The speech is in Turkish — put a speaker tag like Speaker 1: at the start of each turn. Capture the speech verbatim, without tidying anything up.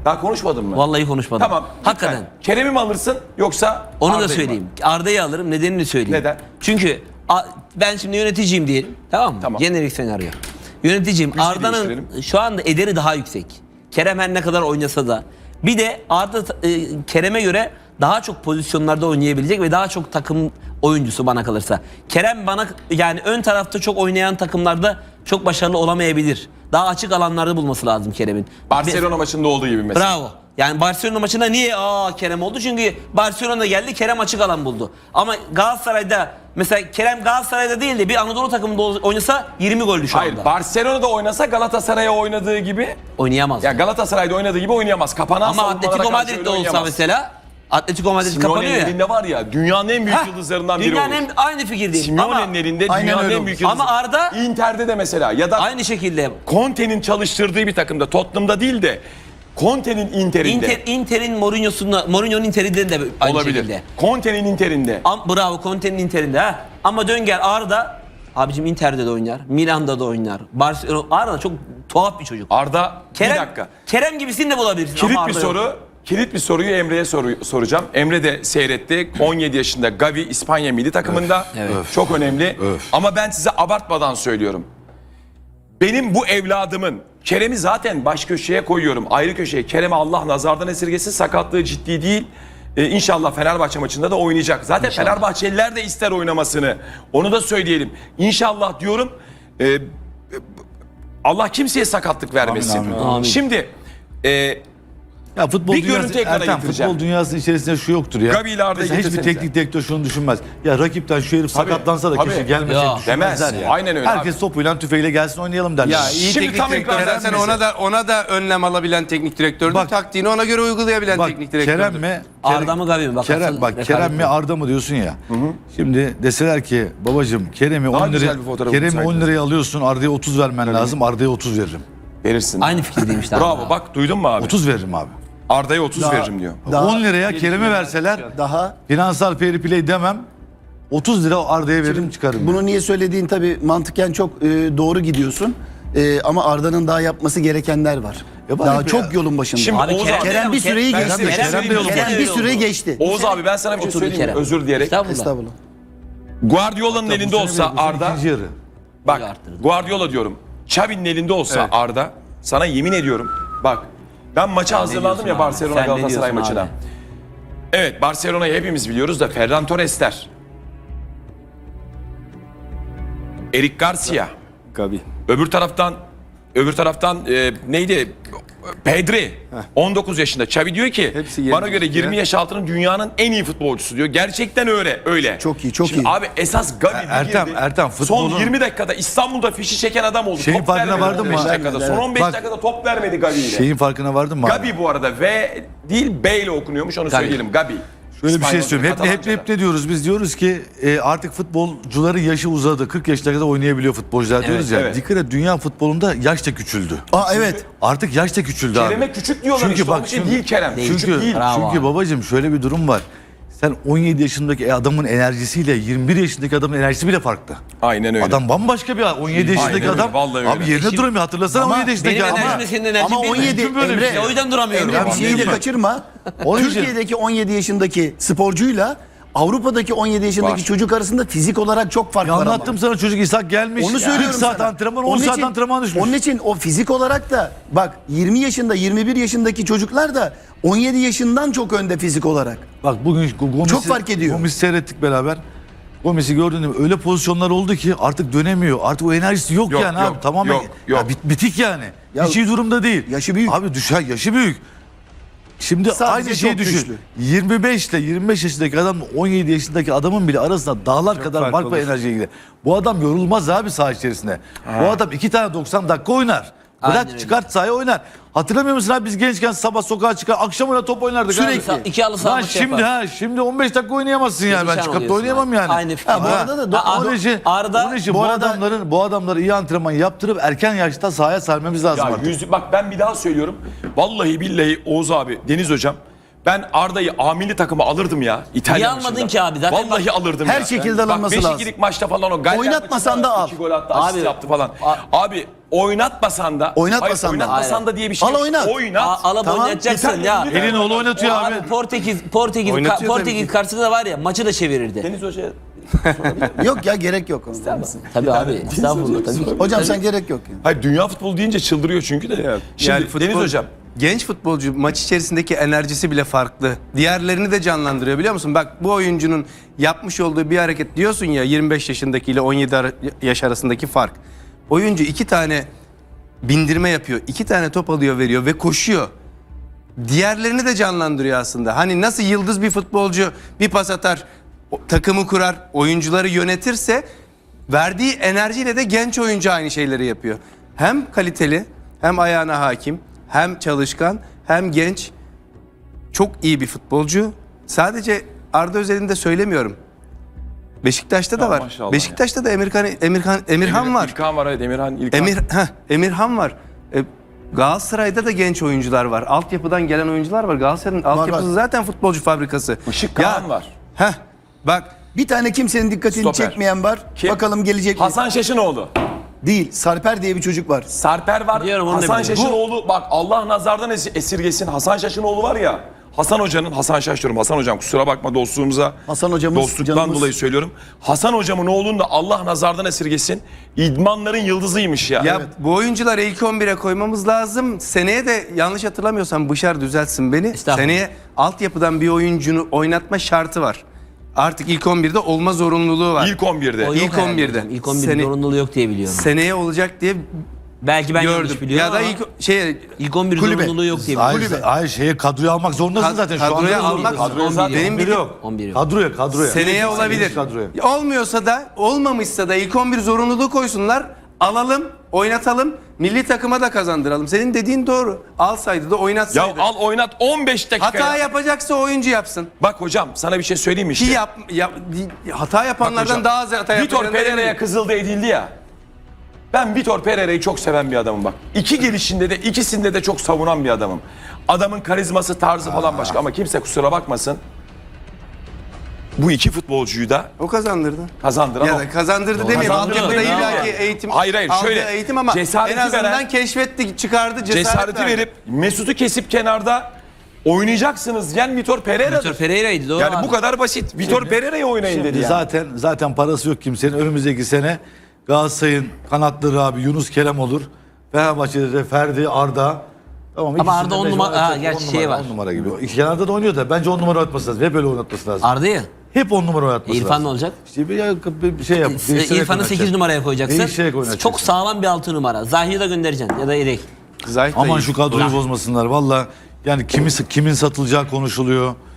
Speaker 1: Daha konuşmadın mı?
Speaker 2: Vallahi konuşmadım.
Speaker 1: Tamam.
Speaker 2: Hakikaten.
Speaker 1: Lütfen. Kerem'i mi alırsın yoksa
Speaker 2: Onu
Speaker 1: Arda'yı
Speaker 2: da
Speaker 1: mı?
Speaker 2: söyleyeyim. Arda'yı alırım. Nedenini söyleyeyim.
Speaker 1: Neden?
Speaker 2: Çünkü a- ben şimdi yöneticiyim diyelim. Tamam mı?
Speaker 1: Tamam.
Speaker 2: Jenerik senaryo. Yöneticiyim.
Speaker 1: Müziği
Speaker 2: Arda'nın
Speaker 1: değiştirelim.
Speaker 2: şu anda ederi daha yüksek. Kerem her ne kadar oynasa da. Bir de Arda e, Kerem'e göre daha çok pozisyonlarda oynayabilecek ve daha çok takım oyuncusu bana kalırsa. Kerem bana yani ön tarafta çok oynayan takımlarda çok başarılı olamayabilir. Daha açık alanlarda bulması lazım Kerem'in.
Speaker 1: Barcelona maçında olduğu gibi mesela.
Speaker 2: Bravo. Yani Barcelona maçında niye aa Kerem oldu? Çünkü Barcelona geldi, Kerem açık alan buldu. Ama Galatasaray'da mesela Kerem Galatasaray'da değil de bir Anadolu takımında oynasa yirmi goldü şu
Speaker 1: Hayır,
Speaker 2: anda.
Speaker 1: Barcelona'da oynasa Galatasaray'a oynadığı gibi,
Speaker 2: Oynayamaz.
Speaker 1: ya Galatasaray'da oynadığı gibi oynayamaz. Kapanan
Speaker 2: Ama
Speaker 1: savunmalara
Speaker 2: Atletico
Speaker 1: karşı
Speaker 2: Madrid'de
Speaker 1: öyle
Speaker 2: olsa
Speaker 1: oynayamaz.
Speaker 2: mesela Atletico Madrid kapanıyor
Speaker 1: Simeone'nin
Speaker 2: ya.
Speaker 1: elinde var ya, dünyanın en büyük
Speaker 2: Heh,
Speaker 1: yıldızlarından biri
Speaker 2: dünyanın
Speaker 1: olur.
Speaker 2: en, aynı fikirdeyim. Ama
Speaker 1: Simeone'nin elinde
Speaker 3: Aynen
Speaker 1: dünyanın
Speaker 3: öyle
Speaker 1: en
Speaker 3: olur.
Speaker 1: büyük yıldızı.
Speaker 2: Ama Arda
Speaker 1: Inter'de de mesela ya da
Speaker 2: aynı şekilde
Speaker 1: Conte'nin çalıştırdığı bir takımda, Tottenham'da değil de Conte'nin Inter'inde
Speaker 2: Inter, Inter'in Mourinho'sunda, Mourinho'nun Inter'inde de aynı
Speaker 1: olabilir.
Speaker 2: şekilde.
Speaker 1: Conte'nin Inter'inde.
Speaker 2: Am, bravo Conte'nin Inter'inde ha. Ama dön gel Arda abicim Inter'de de oynar, Milan'da da oynar. Barcelona Arda çok tuhaf bir çocuk.
Speaker 1: Arda,
Speaker 2: Kerem,
Speaker 1: bir dakika.
Speaker 2: Kerem gibisini de bulabilirsin.
Speaker 1: Kilit
Speaker 2: ama
Speaker 1: bir
Speaker 2: Arda
Speaker 1: soru.
Speaker 2: yok.
Speaker 1: Kilit bir soruyu Emre'ye soru, soracağım. Emre de seyretti. on yedi yaşında Gavi İspanya milli takımında.
Speaker 2: Evet.
Speaker 1: Çok önemli. Ama ben size abartmadan söylüyorum. Benim bu evladımın Kerem'i zaten baş köşeye koyuyorum. Ayrı köşeye. Kerem'i Allah nazardan esirgesin. Sakatlığı ciddi değil. Ee, İnşallah Fenerbahçe maçında da oynayacak. Zaten
Speaker 2: İnşallah.
Speaker 1: Fenerbahçeliler de ister oynamasını. Onu da söyleyelim. İnşallah diyorum. Ee, Allah kimseye sakatlık vermesin.
Speaker 3: Amin, amin.
Speaker 2: Amin.
Speaker 1: Şimdi e,
Speaker 3: Ya futbol
Speaker 1: Bir
Speaker 3: dünyası,
Speaker 1: görüntü ekrana
Speaker 3: Ertem,
Speaker 1: getireceğim.
Speaker 3: futbol dünyasının içerisinde şu yoktur ya.
Speaker 1: Gavi ile Arda'yı
Speaker 3: Mesela hiçbir
Speaker 1: getirsenize.
Speaker 3: teknik direktör şunu düşünmez. Ya rakipten şu herif
Speaker 1: Tabii,
Speaker 3: sakatlansa da
Speaker 1: tabii.
Speaker 3: kişi gelmeyecek
Speaker 2: Ya,
Speaker 3: düşünmezler
Speaker 1: demez.
Speaker 3: ya.
Speaker 1: Aynen öyle
Speaker 3: Herkes
Speaker 1: abi.
Speaker 3: topuyla tüfeğiyle gelsin oynayalım derler.
Speaker 4: Ya iyi
Speaker 1: Şimdi
Speaker 4: teknik
Speaker 1: tam
Speaker 4: direktör
Speaker 1: ekran
Speaker 4: zaten
Speaker 1: versenize.
Speaker 4: ona da ona da önlem alabilen teknik direktördür.
Speaker 3: Bak-
Speaker 4: Taktiğini ona göre uygulayabilen
Speaker 3: Bak
Speaker 4: teknik direktördür.
Speaker 3: Kerem mi?
Speaker 2: Arda mı Gavi mi? Bak,
Speaker 3: Kerem,
Speaker 2: asıl
Speaker 3: bak
Speaker 2: rekabet
Speaker 3: Kerem mi
Speaker 2: bu.
Speaker 3: Arda mı diyorsun ya. Şimdi deseler ki babacığım Kerem'i
Speaker 1: Daha
Speaker 3: on liraya
Speaker 1: güzel bir fotoğraf
Speaker 3: Kerem'i
Speaker 1: bulsaydınız.
Speaker 3: on liraya alıyorsun Arda'ya otuz vermen lazım. Arda'ya otuz veririm.
Speaker 1: Verirsin.
Speaker 2: Aynı fikirdeyim işte.
Speaker 1: Bravo
Speaker 2: Arda.
Speaker 1: bak duydun mu abi?
Speaker 3: otuz veririm abi.
Speaker 1: Arda'ya otuz
Speaker 3: Daha-
Speaker 1: veririm diyor.
Speaker 3: Daha, on liraya Kerem'i verseler
Speaker 5: Daha
Speaker 3: finansal fair play demem. otuz lira Arda'ya veririm çıkarım.
Speaker 5: bunu niye söylediğin tabii mantıken çok e, doğru gidiyorsun. E, ama Arda'nın daha yapması gerekenler var.
Speaker 3: Ya bari
Speaker 5: daha
Speaker 3: be
Speaker 5: çok
Speaker 3: ya.
Speaker 5: yolun başında.
Speaker 1: Şimdi
Speaker 2: Abi
Speaker 1: Oğuz
Speaker 2: Kerem-
Speaker 1: abi,
Speaker 5: Kerem bir süreyi
Speaker 1: Ben
Speaker 5: geçti.
Speaker 1: size bir şey
Speaker 3: Kerem de
Speaker 1: söyleyeyim mi?
Speaker 3: yolun
Speaker 5: Kerem bir
Speaker 2: öyle
Speaker 5: süreyi
Speaker 2: oldu.
Speaker 5: geçti.
Speaker 1: Oğuz abi ben sana bir şey
Speaker 2: Oturdu
Speaker 1: söyleyeyim mi?
Speaker 2: Kerem.
Speaker 1: Özür dileyerek.
Speaker 2: Estağfurullah.
Speaker 5: Estağfurullah.
Speaker 1: Guardiola'nın
Speaker 3: Bu
Speaker 1: elinde
Speaker 3: sene
Speaker 1: olsa
Speaker 3: bile, bu sene
Speaker 1: Arda,
Speaker 3: ikinci yarı.
Speaker 1: bak
Speaker 2: arttırdı.
Speaker 1: Guardiola diyorum. Xavi'nin elinde olsa
Speaker 3: Evet.
Speaker 1: Arda, sana yemin ediyorum. Bak ben maça hazırlandım
Speaker 2: diyorsun
Speaker 1: ya
Speaker 2: abi?
Speaker 1: Barcelona
Speaker 2: Sen ne
Speaker 1: Galatasaray
Speaker 2: diyorsun
Speaker 1: maçına.
Speaker 2: abi?
Speaker 1: Evet Barcelona'yı hepimiz biliyoruz da Ferran Torres'ler. Eric Garcia.
Speaker 4: Gavi.
Speaker 1: Öbür taraftan öbür taraftan e, neydi? Pedri. on dokuz yaşında. Xavi diyor ki
Speaker 4: Hepsi yirmi
Speaker 1: bana göre
Speaker 4: üstü
Speaker 1: yirmi
Speaker 4: ya.
Speaker 1: yaş altının dünyanın en iyi futbolcusu diyor. Gerçekten öyle. Öyle.
Speaker 5: Çok iyi, çok
Speaker 1: Şimdi
Speaker 5: iyi.
Speaker 1: Abi esas Gavi bir
Speaker 3: Ertem,
Speaker 1: girdi.
Speaker 3: Ertem, futbolun-
Speaker 1: Son yirmi dakikada İstanbul'da fişi çeken adam oldu.
Speaker 3: Şeyin
Speaker 1: Top
Speaker 3: farkına
Speaker 1: vermedi
Speaker 3: vardın
Speaker 1: on
Speaker 3: mı?
Speaker 1: beş dakikada. Son on beş
Speaker 3: Bak-
Speaker 1: dakikada top vermedi Gavi ile.
Speaker 3: Şeyin farkına vardın mı abi?
Speaker 1: Gabi bu arada V değil B ile okunuyormuş onu
Speaker 2: Gavi.
Speaker 1: söyleyelim. Gabi.
Speaker 3: Şöyle bir şey
Speaker 1: İspanyolca,
Speaker 3: söyleyeyim. Hep, hep,
Speaker 1: Katalanca'da.
Speaker 3: hep ne diyoruz? Biz diyoruz ki e, artık futbolcuların yaşı uzadı. kırk yaşına kadar oynayabiliyor futbolcular diyoruz ya.
Speaker 1: evet.
Speaker 3: Dikkat et dünya futbolunda yaş da küçüldü.
Speaker 5: Aa evet.
Speaker 3: Artık yaş da küçüldü abi.
Speaker 1: Kerem'e küçük diyorlar
Speaker 3: Çünkü
Speaker 1: işte.
Speaker 3: bak
Speaker 1: Onun için
Speaker 3: şimdi-
Speaker 1: değil Kerem.
Speaker 2: Değil.
Speaker 1: Küçük
Speaker 3: Çünkü,
Speaker 1: değil.
Speaker 2: Bravo
Speaker 3: çünkü
Speaker 2: abi.
Speaker 3: babacığım şöyle bir durum var. Sen on yedi yaşındaki adamın enerjisiyle yirmi bir yaşındaki adamın enerjisi bile farklı.
Speaker 1: Aynen öyle.
Speaker 3: Adam bambaşka bir on yedi yaşındaki
Speaker 1: öyle,
Speaker 3: adam.
Speaker 1: vallahi
Speaker 3: Abi
Speaker 1: öyle.
Speaker 3: yerine
Speaker 2: Şimdi-
Speaker 3: duramıyor. Hatırlasana
Speaker 5: Ama
Speaker 3: on yedi yaşındaki
Speaker 2: Benim
Speaker 3: adam.
Speaker 2: enerjimle senin enerjin
Speaker 5: Ama
Speaker 2: bir mi?
Speaker 5: on yedi
Speaker 3: Mümkün böyle bir
Speaker 5: Emre,
Speaker 3: şey.
Speaker 2: O yüzden duramıyorum.
Speaker 5: Emre bir
Speaker 3: Tamam,
Speaker 5: şeyi de
Speaker 3: değil mi?
Speaker 5: kaçırma.
Speaker 3: Onun için-
Speaker 5: Türkiye'deki on yedi yaşındaki sporcuyla Avrupa'daki on yedi yaşındaki
Speaker 1: Var.
Speaker 5: çocuk arasında fizik olarak çok fark
Speaker 3: Ya
Speaker 5: var ama.
Speaker 3: anlattım sana çocuk İshak gelmiş.
Speaker 5: Onu söylüyorum
Speaker 3: kırk saat
Speaker 5: sana.
Speaker 3: antrenman on
Speaker 5: Onun
Speaker 3: saat
Speaker 5: için-
Speaker 3: antrenman düşmüş.
Speaker 5: Onun için o fizik olarak da bak yirmi yaşında yirmi bir yaşındaki çocuklar da on yedi yaşından çok önde fizik olarak.
Speaker 3: Bak bugün Gomis'i,
Speaker 5: Çok fark ediyor.
Speaker 3: Gomis'i seyrettik beraber. Gomis'i gördün mü? Öyle pozisyonlar oldu ki artık dönemiyor. Artık o enerjisi yok,
Speaker 1: Yok,
Speaker 3: yani
Speaker 1: yok,
Speaker 3: abi. Tamamen
Speaker 1: yok, yok.
Speaker 3: Ya bit- bitik yani.
Speaker 5: Ya-
Speaker 3: Hiç iyi durumda değil.
Speaker 5: Yaşı büyük.
Speaker 3: Abi düşer yaşı büyük. Şimdi
Speaker 5: Sadece
Speaker 3: aynı şeyi
Speaker 5: çok
Speaker 3: düşün.
Speaker 5: güçlü.
Speaker 3: yirmi beş ile yirmi beş yaşındaki adam on yedi yaşındaki adamın bile arasında dağlar kadar
Speaker 4: fark
Speaker 3: fark var
Speaker 4: olur.
Speaker 3: enerjiye ilgili. Bu adam yorulmaz abi saha içerisinde. Bu adam iki tane doksan dakika oynar. Bırak
Speaker 2: Aynen öyle.
Speaker 3: çıkart sahaya oynar. Hatırlamıyor musun abi biz gençken sabah sokağa çıkar akşam ona top oynardık
Speaker 5: Sürekli.
Speaker 3: abi.
Speaker 2: İki halı saha
Speaker 3: Lan
Speaker 2: maçı
Speaker 3: şimdi
Speaker 2: yapar.
Speaker 3: ha şimdi on beş dakika oynayamazsın yani ben
Speaker 2: Perişan
Speaker 3: çıkıp da
Speaker 2: oluyorsun
Speaker 3: oynayamam
Speaker 2: abi.
Speaker 3: yani.
Speaker 2: Aynı fikir.
Speaker 5: Ha, bu arada da
Speaker 2: Ha,
Speaker 3: Onun için,
Speaker 2: Arda-
Speaker 3: onun için
Speaker 5: bu
Speaker 3: bu,
Speaker 5: arada-
Speaker 3: adamların bu adamları iyi antrenman yaptırıp erken yaşta sahaya sermemiz lazım
Speaker 1: Ya
Speaker 3: artık.
Speaker 1: yüz, bak ben bir daha söylüyorum. Vallahi billahi Oğuz abi, Deniz hocam. Ben Arda'yı A milli takıma alırdım ya. İtalya
Speaker 2: Niye almadın
Speaker 1: maçında.
Speaker 2: ki abi? Zaten
Speaker 1: Vallahi
Speaker 2: bak-
Speaker 1: alırdım
Speaker 5: her
Speaker 1: ya.
Speaker 5: şekilde alınması
Speaker 1: Bak,
Speaker 5: lazım.
Speaker 1: beş ikilik maçta falan o Galler
Speaker 5: Oynatmasan
Speaker 1: maçında
Speaker 5: da al.
Speaker 1: iki gol attı, asist
Speaker 2: Abi,
Speaker 1: yaptı falan.
Speaker 2: a-
Speaker 1: Abi oynatmasan da.
Speaker 5: Oynatmasan
Speaker 1: hayır,
Speaker 5: da.
Speaker 1: oynatmasan
Speaker 2: Aynen.
Speaker 1: da diye bir şey
Speaker 5: Al
Speaker 1: yok.
Speaker 5: oynat.
Speaker 1: Oynat.
Speaker 2: A- alıp
Speaker 5: Tamam.
Speaker 2: oynatacaksın
Speaker 1: İtalya
Speaker 2: ya.
Speaker 1: milli
Speaker 3: Elin oğlu oynatıyor
Speaker 2: O
Speaker 3: abi.
Speaker 2: Portekiz Portekiz
Speaker 4: Oynatıyor tabii
Speaker 2: Portekiz
Speaker 4: ki.
Speaker 2: karşısında da var ya maçı da çevirirdi.
Speaker 1: Deniz Hoca.
Speaker 5: Yok ya gerek yok.
Speaker 2: Tabii abi. Estağfurullah tabii ki.
Speaker 5: Hocam sen gerek yok. Yani.
Speaker 1: Hayır dünya futbolu deyince çıldırıyor çünkü de. Şimdi
Speaker 4: Yani futbol-
Speaker 1: Deniz Hocam.
Speaker 4: Genç futbolcu maç içerisindeki enerjisi bile farklı. Diğerlerini de canlandırıyor biliyor musun? Bak bu oyuncunun yapmış olduğu bir hareket diyorsun ya yirmi beş yaşındaki ile on yedi ara- yaş arasındaki fark. Oyuncu iki tane bindirme yapıyor. iki tane top alıyor veriyor ve koşuyor. Diğerlerini de canlandırıyor aslında. Hani nasıl yıldız bir futbolcu bir pas atar, o- takımı kurar, oyuncuları yönetirse verdiği enerjiyle de genç oyuncu aynı şeyleri yapıyor. Hem kaliteli, hem ayağına hakim, hem çalışkan, hem genç. Çok iyi bir futbolcu. Sadece Arda özelinde söylemiyorum. Beşiktaş'ta da
Speaker 1: Ya
Speaker 4: var.
Speaker 1: maşallah
Speaker 4: Beşiktaş'ta da Emirkan Emirkan Emirhan var.
Speaker 1: İlkan var evet Emirhan. İlkan.
Speaker 4: Emir heh, Emirhan var. E, Galatasaray'da da genç oyuncular var. Altyapıdan gelen oyuncular var. Galatasaray'ın altyapısı
Speaker 5: var.
Speaker 4: zaten futbolcu fabrikası.
Speaker 1: Işık Kağan var.
Speaker 4: Heh, bak
Speaker 5: Bir tane kimsenin dikkatini
Speaker 1: Stoper.
Speaker 5: çekmeyen var.
Speaker 1: Kim?
Speaker 5: Bakalım gelecek mi?
Speaker 1: Hasan Şaşınoğlu.
Speaker 5: Değil. Sarper diye bir çocuk var.
Speaker 1: Sarper var.
Speaker 2: Biliyorum, onu da
Speaker 1: Hasan
Speaker 2: biliyorum.
Speaker 1: Şaşınoğlu bak Allah nazardan es- esirgesin. Hasan Şaşınoğlu var ya. Hasan Hoca'nın, Hasan Şaş diyorum. Hasan Hocam kusura bakma dostluğumuza.
Speaker 5: Hasan hocamız,
Speaker 1: Dostluktan
Speaker 5: canımız.
Speaker 1: dolayı söylüyorum. Hasan Hocamın oğlunu da Allah nazardan esirgesin. İdmanların yıldızıymış ya.
Speaker 4: ya bu oyuncuları ilk on bire koymamız lazım. Seneye de yanlış hatırlamıyorsam Bışar düzeltsin beni.
Speaker 2: Estağfurullah.
Speaker 4: Seneye altyapıdan bir oyuncunu oynatma şartı var. Artık ilk on birde olma zorunluluğu var.
Speaker 1: İlk on birde.
Speaker 2: O yok
Speaker 4: İlk
Speaker 2: herhalde
Speaker 4: on birde.
Speaker 2: hocam. İlk on birde
Speaker 4: Sene-
Speaker 2: zorunluluğu yok diye biliyorum.
Speaker 4: Seneye olacak diye
Speaker 2: Belki ben yanlış
Speaker 4: gördüm.
Speaker 2: biliyorum
Speaker 4: Ya da
Speaker 2: ama
Speaker 4: ilk şey
Speaker 2: ilk on bir
Speaker 5: Kulübe.
Speaker 2: zorunluluğu yok diye
Speaker 3: Hayır,
Speaker 2: biliyorum.
Speaker 3: hayır şeye kadroya almak zorundasın
Speaker 4: Kad-
Speaker 3: zaten. Şu anda
Speaker 4: kadroya
Speaker 3: da
Speaker 4: almak
Speaker 3: zorundasın.
Speaker 4: zorundasın.
Speaker 3: Zaten
Speaker 4: Benim
Speaker 3: on bir
Speaker 4: bildiğim-
Speaker 3: yok.
Speaker 2: on bir yok.
Speaker 3: Kadroya kadroya.
Speaker 4: seneye olabilir.
Speaker 3: Kadroya.
Speaker 4: Olmuyorsa da olmamışsa da ilk on bir zorunluluğu koysunlar. Alalım, oynatalım. Milli takıma da kazandıralım. Senin dediğin doğru. Alsaydı da
Speaker 1: Ya
Speaker 4: oynatsaydı.
Speaker 1: al oynat on beş dakika.
Speaker 4: Hata
Speaker 1: ya.
Speaker 4: yapacaksa oyuncu yapsın.
Speaker 1: Bak hocam sana bir şey söyleyeyim mi
Speaker 4: Ki
Speaker 1: işte.
Speaker 4: yap, yap- hata
Speaker 1: Bak
Speaker 4: yapanlardan
Speaker 1: hocam,
Speaker 4: daha az hata
Speaker 1: Vitor
Speaker 4: yapacağını
Speaker 1: Pereira'ya
Speaker 4: eminim.
Speaker 1: kızıldı edildi ya. Ben Vitor Pereira'yı çok seven bir adamım bak. İki gelişinde de ikisinde de çok savunan bir adamım. Adamın karizması tarzı falan başka ama kimse kusura bakmasın. Bu iki futbolcuyu da
Speaker 4: O kazandırdı.
Speaker 1: kazandıran
Speaker 4: Ya
Speaker 1: o.
Speaker 4: da kazandırdı demeyeyim.
Speaker 1: Kazandırdı
Speaker 4: Altyapıda
Speaker 1: değil
Speaker 4: illaki
Speaker 1: mi?
Speaker 4: eğitim.
Speaker 1: Hayır, hayır,
Speaker 4: aldığı
Speaker 1: şöyle,
Speaker 4: eğitim ama
Speaker 1: cesareti
Speaker 4: en azından
Speaker 1: veren-
Speaker 4: keşfetti, çıkardı cesaret
Speaker 1: Cesareti
Speaker 4: verdi.
Speaker 1: verip Mesut'u kesip kenarda oynayacaksınız. Yani Vitor Pereira'dır.
Speaker 2: Vitor Pereira'ydı doğru
Speaker 1: Yani
Speaker 2: abi.
Speaker 1: bu kadar basit. Vitor Pereira'yı oynayın dedi yani.
Speaker 3: Zaten zaten parası yok kimsenin. Önümüzdeki sene Galatasaray'ın kanatları abi Yunus Kerem olur. Fenerbahçe'de de Ferdi, Arda. Tamam,
Speaker 2: Ama
Speaker 3: ikisinde
Speaker 2: Arda on
Speaker 3: mecbur
Speaker 2: numara-
Speaker 3: oynatacak.
Speaker 2: ha, gerçi
Speaker 3: On
Speaker 2: şey
Speaker 3: numara,
Speaker 2: var.
Speaker 3: on numara gibi. İki kenarda da oynuyor da bence on numara oynatması lazım. Hep öyle oynatması lazım.
Speaker 2: Arda'yı.
Speaker 3: Hep on numara oynatması lazım.
Speaker 2: İrfan ne olacak?
Speaker 3: İşte bir, bir, bir şey yap. değiştirerek
Speaker 2: İrfan'ı
Speaker 3: oynatacak.
Speaker 2: sekiz numaraya koyacaksın.
Speaker 3: Değiştirerek oynatacaksın.
Speaker 2: Çok sağlam bir altı numara. Zahir'i de göndereceksin ya da yedek.
Speaker 4: Zayt da
Speaker 3: Aman
Speaker 4: iyi.
Speaker 3: şu kadroyu bozmasınlar. Valla yani kimi, kimin satılacağı konuşuluyor.